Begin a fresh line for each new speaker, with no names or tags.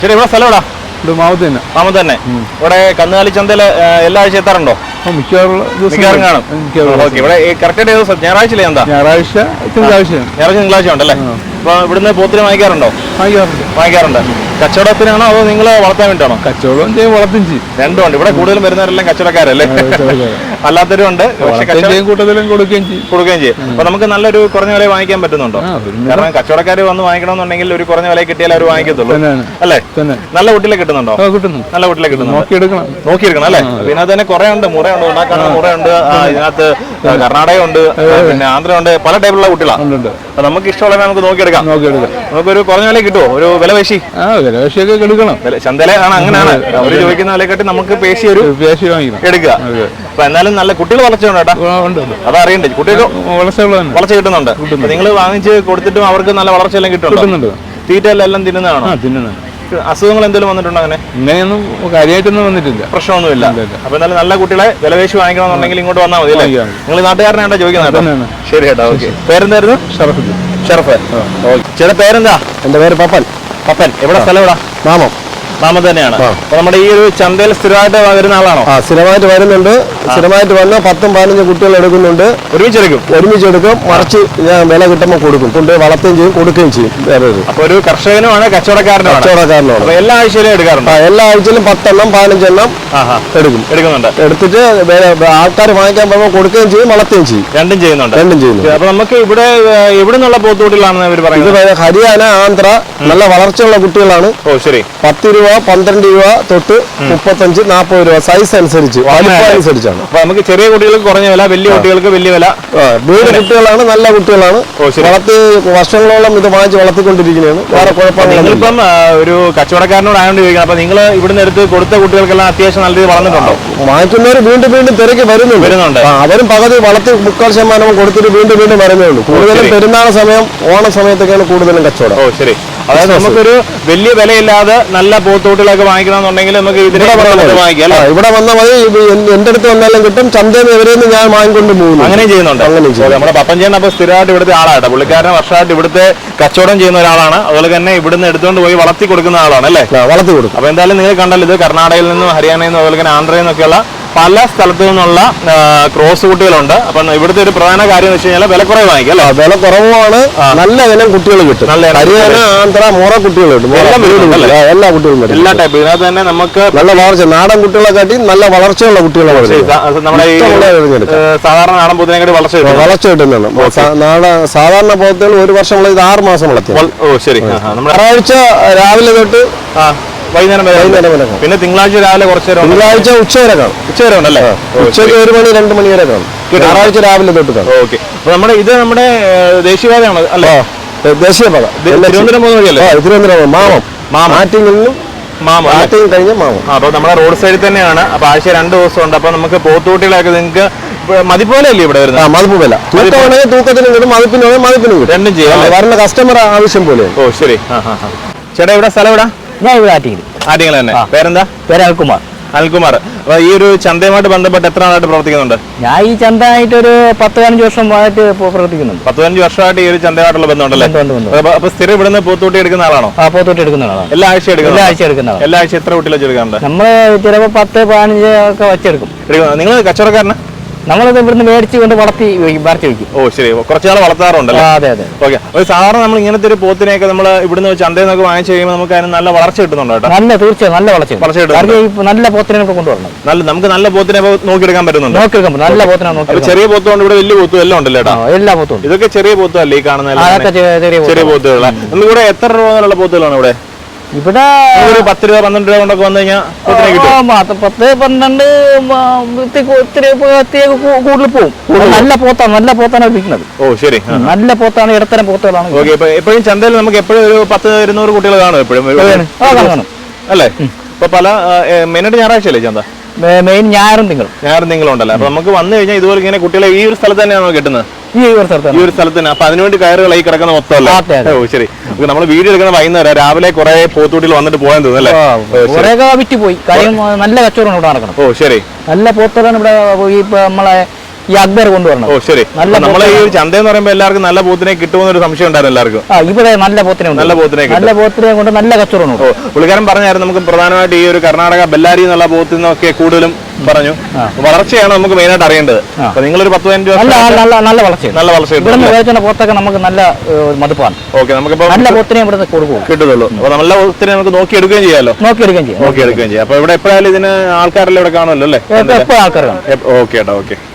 ശരി, ഇവിടെ സ്ഥലം എവിടാ? മാമത്ത് തന്നെ. ഇവിടെ കന്നുകാലി ചന്തയില് എല്ലാ ആഴ്ച എത്താറുണ്ടോ? മിക്കവാറും കാണും. ഓക്കെ, ഇവിടെ കറക്റ്റ് ദിവസം ഞായറാഴ്ച എന്താ?
ഞായറാഴ്ച
തിങ്കളാഴ്ച ഉണ്ടല്ലേ? അപ്പൊ ഇവിടുന്ന് പോത്തിന് വാങ്ങിക്കാറുണ്ടോ? വാങ്ങിക്കാറുണ്ട്. കച്ചവടത്തിനാണോ അതോ നിങ്ങൾ വളർത്താൻ വേണ്ടിയാണോ?
കച്ചവടം ചെയ്യും, വളർത്തും ചെയ്യും.
രണ്ടും ഉണ്ട്. ഇവിടെ കൂടുതലും വരുന്നവരെല്ലാം കച്ചവടക്കാരല്ലേ? അല്ലാത്തവരും ഉണ്ട്,
കൂട്ടത്തിലും കൊടുക്കുകയും
ചെയ്യും. അപ്പൊ നമുക്ക് നല്ലൊരു കുറഞ്ഞ വില വാങ്ങിക്കാൻ പറ്റുന്നുണ്ടോ? കാരണം കച്ചവടക്കാർ വന്ന് വാങ്ങിക്കണമെന്നുണ്ടെങ്കിൽ ഒരു കുറഞ്ഞ വില കിട്ടിയാൽ അവർ വാങ്ങിക്കത്തുള്ളൂ അല്ലേ? നല്ല കുട്ടികളെ കിട്ടുന്നുണ്ടോ? നല്ല കുട്ടികളെ കിട്ടുന്നു. നോക്കിയെടുക്കണം അല്ലേ? പിന്നെ അത് തന്നെ കുറെ ഉണ്ട്, മുറയുണ്ട്, ഉണ്ടാക്കാനുള്ള മുറയുണ്ട്, ഇതിനകത്ത് കർണാടക ഉണ്ട്, പിന്നെ ആന്ധ്ര ഉണ്ട്, പല ടൈപ്പുള്ള കുട്ടികളാണ്. അപ്പൊ നമുക്ക് ഇഷ്ടമുള്ള നമുക്ക് നോക്കിയെടുക്കാം. നമുക്കൊരു കുറഞ്ഞ വില കിട്ടുമോ? ഒരു വില പേശി
എടുക്കണം.
ചന്തയിലാണ് അങ്ങനെയാണ് അവര് ചോദിക്കുന്ന വിലക്കെട്ടി നമുക്ക് പേശി എടുക്കുക. അപ്പൊ എന്നാലും നല്ല കുട്ടികൾ വളർച്ചയുണ്ട് കേട്ടോ, അതറിയണ്ടേ? കുട്ടികൾ വളർച്ച കിട്ടുന്നുണ്ട്. നിങ്ങൾ വാങ്ങിച്ച് കൊടുത്തിട്ടും അവർക്ക് നല്ല വളർച്ചയെല്ലാം കിട്ടുന്നുണ്ട്. തീറ്റ എല്ലാം തിന്നുന്നതാണോ? അസുഖങ്ങൾ എന്തെങ്കിലും വന്നിട്ടുണ്ടോ?
അങ്ങനെയൊന്നും കാര്യമായിട്ടൊന്നും വന്നിട്ടില്ല,
പ്രശ്നമൊന്നുമില്ല. അപ്പൊ എന്നാലും നല്ല കുട്ടികളെ വിലവേശി വാങ്ങിക്കണമെന്നുണ്ടെങ്കിൽ ഇങ്ങോട്ട് വന്നാൽ മതി അല്ലേ? നിങ്ങൾ നാട്ടുകാരനായിട്ടാ ചോദിക്കുന്നത്? ശരി കേട്ടോ. ഓക്കെ, പേരെന്തായിരുന്നു? ഷറഫ്. ചേട്ടാ പേരെന്താ?
എന്റെ പേര് പപ്പൻ.
എവിടെ സ്ഥലം? എവിടെ? മാമത്ത് തന്നെയാണ്. അപ്പൊ നമ്മുടെ ഈ ഒരു ചന്തയിൽ സ്ഥിരമായിട്ട് വരുന്ന ആളാണോ?
സ്ഥിരമായിട്ട് വരുന്നുണ്ട്. സ്ഥിരമായിട്ട് വന്ന് 10-15 കുട്ടികൾ എടുക്കുന്നുണ്ട്. ഒരുമിച്ചെടുക്കും. മറിച്ച് ഞാൻ വില കിട്ടുമ്പോൾ കൊടുക്കും. കൊണ്ട് വളർത്തുകയും ചെയ്യും, കൊടുക്കുകയും ചെയ്യും.
അപ്പൊ ഒരു കർഷകനുമാണ്, കച്ചവടക്കാരനുമാണ്. എല്ലാ ആഴ്ചയിലും എടുക്കാറുണ്ട്?
എല്ലാ ആഴ്ചയിലും 10-15 എടുക്കുന്നുണ്ട്. എടുത്തിട്ട് ആൾക്കാർ വാങ്ങിക്കാൻ പോകുമ്പോൾ കൊടുക്കുകയും ചെയ്യും, വളർത്തുകയും ചെയ്യും.
രണ്ടും ചെയ്യുന്നു. അപ്പൊ നമുക്ക് ഇവിടെ എവിടെ നിന്നുള്ള പോത്തുകുട്ടികളാണെന്ന് അവർ പറയുന്നത്?
ഇത് ഹരിയാന, ആന്ധ്ര, നല്ല വളർച്ചയുള്ള കുട്ടികളാണ്.
ഓ ശരി.
10 രൂപ, 12 രൂപ തൊട്ട് 35-40 രൂപ സൈസ് അനുസരിച്ചാണ്.
അപ്പൊ നമുക്ക് ചെറിയ കുട്ടികൾക്ക് കുറഞ്ഞ വില, വലിയ കുട്ടികൾക്ക് വലിയ വില.
വീട് കുട്ടികളാണ്, നല്ല കുട്ടികളാണ്. വളർത്തി വർഷങ്ങളോളം ഇത് വാങ്ങിച്ച് വളർത്തിക്കൊണ്ടിരിക്കുന്നതാണ്. വേറെ കുഴപ്പമില്ല.
ഇപ്പം ഒരു കച്ചവടക്കാരനോട് ആയതുകൊണ്ട് ചോദിക്കണം, അപ്പൊ നിങ്ങൾ ഇവിടുന്ന് എടുത്ത് കൊടുത്ത കുട്ടികൾക്കെല്ലാം അത്യാവശ്യം നല്ല രീതിയിൽ വളർന്നിട്ടുണ്ടോ?
വാങ്ങിക്കുന്നവർ വീണ്ടും തിരക്ക് വരുന്നുണ്ട്. അവരും പകുതി വളർത്തി 3/4% കൊടുത്തിട്ട് വീണ്ടും വരുന്നുള്ളൂ. കൂടുതലും പെരുന്നാൾ സമയം, ഓണ സമയത്തൊക്കെയാണ് കൂടുതലും കച്ചവടം.
ഓ ശരി. അതായത് നമുക്കൊരു വലിയ വിലയില്ലാതെ നല്ല പോത്തുകുട്ടികളൊക്കെ വാങ്ങിക്കണമെന്നുണ്ടെങ്കിൽ നമുക്ക് വാങ്ങിക്കാം.
ഇവിടെ വന്നാൽ മതി. എന്റെ അടുത്ത് വന്നാലും കിട്ടും. ചന്തയിൽ ഇവരെന്ന് ഞാൻ വാങ്ങിക്കൊണ്ട് പോകുന്നു.
അങ്ങനെ ചെയ്യുന്നുണ്ട്. നമ്മുടെ പപ്പഞ്ചേട്ടൻ അപ്പൊ സ്ഥിരമായിട്ട് ഇവിടുത്തെ ആളാണ്. പുള്ളിക്കാരൻ വർഷമായിട്ട് ഇവിടുത്തെ കച്ചവടം ചെയ്യുന്ന ഒരാളാണ്. അതുപോലെ തന്നെ ഇവിടുന്ന് എടുത്തുകൊണ്ട് പോയി വളർത്തി കൊടുക്കുന്ന ആളാണ് അല്ലേ?
വളർത്തി കൊടുക്കും.
അപ്പൊ എന്തായാലും നിങ്ങൾ കണ്ടല്ലോ, ഇത് കർണാടകയിൽ നിന്നും ഹരിയാനയിൽ നിന്നും അതുപോലെ തന്നെ ആന്ധ്രയിൽ നിന്നൊക്കെയുള്ള പല സ്ഥലത്തു നിന്നുള്ള ക്രോസ് കുട്ടികളുണ്ട്. അപ്പൊ ഇവിടുത്തെ ഒരു പ്രധാന കാര്യം എന്ന് വെച്ച് കഴിഞ്ഞാൽ വില കുറവ് വാങ്ങിക്കാം അല്ലേ?
വില കുറവാണ്. നല്ല ഇനം കുട്ടികൾ കിട്ടും. ഹരിയാന, ആന്ധ്ര, മോറ കുട്ടികൾ കിട്ടും. എല്ലാ കുട്ടികളും
എല്ലാ ടൈപ്പ്. ഇതിനകത്ത് തന്നെ നമുക്ക്
നല്ല വളർച്ച, നാടൻ കുട്ടികളെ കാട്ടി നല്ല വളർച്ചയുള്ള കുട്ടികളാണ്.
നമ്മുടെ ഈ സാധാരണ നാടൻ പോത്തിനെക്കാട്ടി
വളർച്ച കിട്ടുന്നതാണ്. സാധാരണ പോത്തുകൾ ഒരു വർഷം 6 മാസം വളർത്തി.
ഓ ശരി.
ഞായറാഴ്ച രാവിലെ തൊട്ട്
വൈകുന്നേരം വരെ. പിന്നെ തിങ്കളാഴ്ച രാവിലെ കുറച്ച് നേരം.
തിങ്കളാഴ്ച ഉച്ചവരെ കാണും.
ഉച്ചവരെ ഉണ്ടല്ലേ?
ഉച്ചയ്ക്ക് 1 മണി 2 മണി വരെ കാണും. ഞായറാഴ്ച രാവിലെ തൊട്ട് കാണും.
ഓക്കെ. അപ്പൊ ഇത് നമ്മുടെ ദേശീയപാതയാണ് അല്ലേ?
ദേശീയപാത.
തിരുവനന്തപുരം പോകുന്ന വഴിയല്ലേ?
തിരുവനന്തപുരം മാറ്റിങ്ങലിനും കഴിഞ്ഞ മാമം.
അപ്പൊ നമ്മുടെ റോഡ് സൈഡിൽ തന്നെയാണ്. അപ്പൊ ആഴ്ച 2 ദിവസം ഉണ്ട്. അപ്പൊ നമുക്ക് പോത്തുകുട്ടികളൊക്കെ നിങ്ങൾക്ക് മതിപ്പോലെ അല്ലേ ഇവിടെ വരുന്നത്?
മതിപ്പ് വില. തൂക്കമാണെങ്കിൽ തൂക്കത്തിനും കിട്ടും, മതിപ്പിനും കിട്ടും.
രണ്ടും ചെയ്യാം.
വരുന്ന കസ്റ്റമർ ആവശ്യം പോലെ.
ഓ ശരി. ചേട്ടാ ഇവിടെ സ്ഥലം എവിടെ?
ഞാൻ ഇവിടെ
ആറ്റിങ്ങൽ തന്നെ. പേരെന്താ?
പേര് അനിൽകുമാർ.
അപ്പൊ ഈ ഒരു ചന്തയുമായിട്ട് ബന്ധപ്പെട്ട് എത്ര നാളായിട്ട് പ്രവർത്തിക്കുന്നുണ്ട്?
ഞാൻ ഈ ചന്തയായിട്ട് ഒരു 10-15 വർഷമായിട്ട് പ്രവർത്തിക്കുന്നുണ്ട്.
15 വർഷമായിട്ട് ഈ ഒരു ചന്തയുമായിട്ടുള്ള ബന്ധമുണ്ടല്ലേ? അപ്പൊ സ്ഥിരം ഇവിടുന്ന് പോത്തുകുട്ടി എടുക്കുന്ന ആളാണോ?
പോത്തുകുട്ടി എടുക്കുന്ന ആളാണ്.
എല്ലാ ആഴ്ച എടുക്കുന്ന ആളാണ്. എല്ലാ ആഴ്ച എത്ര കുട്ടികൾ വെച്ചെടുക്കാറുണ്ട്?
നമ്മള് ചിലപ്പോ 10-15 ഒക്കെ വെച്ചെടുക്കും.
നിങ്ങൾ കച്ചവടക്കാരനാ?
നമ്മളത് ഇവിടുന്ന് മേടിച്ച് കൊണ്ട് വളർത്തി വയ്ക്കും.
ഓ ശരി. കുറച്ചാൾ വളർത്താറുണ്ടല്ലോ?
അതെ.
ഓക്കെ. അപ്പൊ സാധാരണ നമ്മൾ ഇങ്ങനത്തെ ഒരു പോത്തിനെയൊക്കെ നമ്മൾ ഇവിടുന്ന് ചന്തയിൽ നിന്നൊക്കെ വാങ്ങിച്ചു കഴിയുമ്പോൾ നമുക്ക് അതിന് നല്ല വളർച്ച കിട്ടുന്നുണ്ടോ?
തീർച്ചയായും നല്ല വളർച്ച കിട്ടും. നല്ല പോത്തിനെ കൊണ്ടുവരണം.
നമുക്ക് നല്ല പോത്തിനെ നോക്കിയെടുക്കാൻ പറ്റുന്നുണ്ട്.
നല്ല പോത്തിനെ നോക്കി.
ചെറിയ പോത്തുകൊണ്ട് ഇവിടെ വലിയ പോത്തും എല്ലാം ഉണ്ടല്ലോ?
എല്ലാ പോത്തും.
ഇതൊക്കെ ചെറിയ പോത്തല്ലേ ഈ കാണുന്ന? ചെറിയ പോത്തുകളാണ്. നമുക്കിവിടെ എത്ര രൂപ മുതലുള്ള പോത്തുകളാണ് ഇവിടെ?
ഇവിടെ
ഒരു 10 രൂപ 12 രൂപ കൊണ്ടൊക്കെ വന്നു കഴിഞ്ഞാൽ
10-12 കൂടുതൽ പോകും. നല്ല പോത്താണ് വിൽക്കുന്നത്.
ഓ ശരി.
നല്ല പോത്താണ്, ഇടത്തരം പോത്തുകളാണ്.
ഓക്കെ. എപ്പോഴും ചന്തയിൽ നമുക്ക് എപ്പോഴും ഒരു 10-200 കുട്ടികൾ കാണും എപ്പോഴും അല്ലേ? ഇപ്പൊ പല മെയിനായിട്ട് ഞായറാഴ്ച അല്ലേ ചന്ത?
മെയിൻ ഞായറും തിങ്കളും
ഉണ്ടല്ലോ. അപ്പൊ നമുക്ക് വന്നു കഴിഞ്ഞാൽ ഇതുപോലെ ഇങ്ങനെ കുട്ടികളെ ഈ ഒരു സ്ഥലത്ത് തന്നെയാണോ കിട്ടുന്നത്?
ഈ ഒരു
സ്ഥലത്ത് തന്നെ. അപ്പൊ അതിനുവേണ്ടി കയറുകൾ ഈ കിടക്കുന്ന മൊത്തമല്ലേ? ഓ ശരി. നമ്മൾ വീഡിയോ എടുക്കുന്ന വൈകുന്നേരം രാവിലെ കുറെ പോത്തുകുട്ടികൾ വന്നിട്ട് പോകാൻ തോന്നുന്നല്ലേ?
വിറ്റ് പോയി. കാര്യം നല്ല കച്ചവടം ഇവിടെ നടക്കണം.
ഓ ശരി.
നല്ല പോത്തുകളാണ് ഇവിടെ. നമ്മളെ ഈ അക്ബർ കൊണ്ടുവരണം.
ഓ ശരി. നമ്മളെ ഈ ചന്ത എന്ന് പറയുമ്പോൾ എല്ലാവർക്കും നല്ല പോത്തിനെ കിട്ടുമെന്നൊരു സംശയം ഉണ്ടായിരുന്നു എല്ലാവർക്കും.
ഇവിടെ നല്ല പോത്തിനെ കൊണ്ട് നല്ല കച്ചവടം.
പുള്ളിക്കാരൻ പറഞ്ഞായിരുന്നു നമുക്ക് പ്രധാനമായിട്ട് ഈ ഒരു കർണാടക ബെല്ലാരി എന്നുള്ള പോത്തിൽ നിന്നൊക്കെ കൂടുതലും പറഞ്ഞു. വളർച്ചയാണ് നമുക്ക് മെയിൻ ആയിട്ട് അറിയേണ്ടത്. അപ്പൊ നിങ്ങളൊരു 10-15
നല്ല വളർച്ച ഇവിടുന്ന് പോത്തൊക്കെ നമുക്ക് നല്ല മതിപ്പാണ്.
ഓക്കെ, നമുക്കിപ്പോ
നല്ല പോത്തിനെ ഇവിടുന്ന് കൊടുക്കും
കിട്ടുള്ളൂ. അപ്പൊ നല്ല പോത്തിനെ നമുക്ക് നോക്കിയെടുക്കുകയും ചെയ്യാമല്ലോ. നോക്കിയെടുക്കുകയും ചെയ്യാം. അപ്പൊ ഇവിടെ എപ്പോഴായാലും ഇതിന് ആൾക്കാരെല്ലാം ഇവിടെ കാണുമല്ലോ അല്ലേ?
എപ്പോഴും ആൾക്കാർ കാണും.
ഓക്കെ ഏട്ടാ, ഓക്കെ.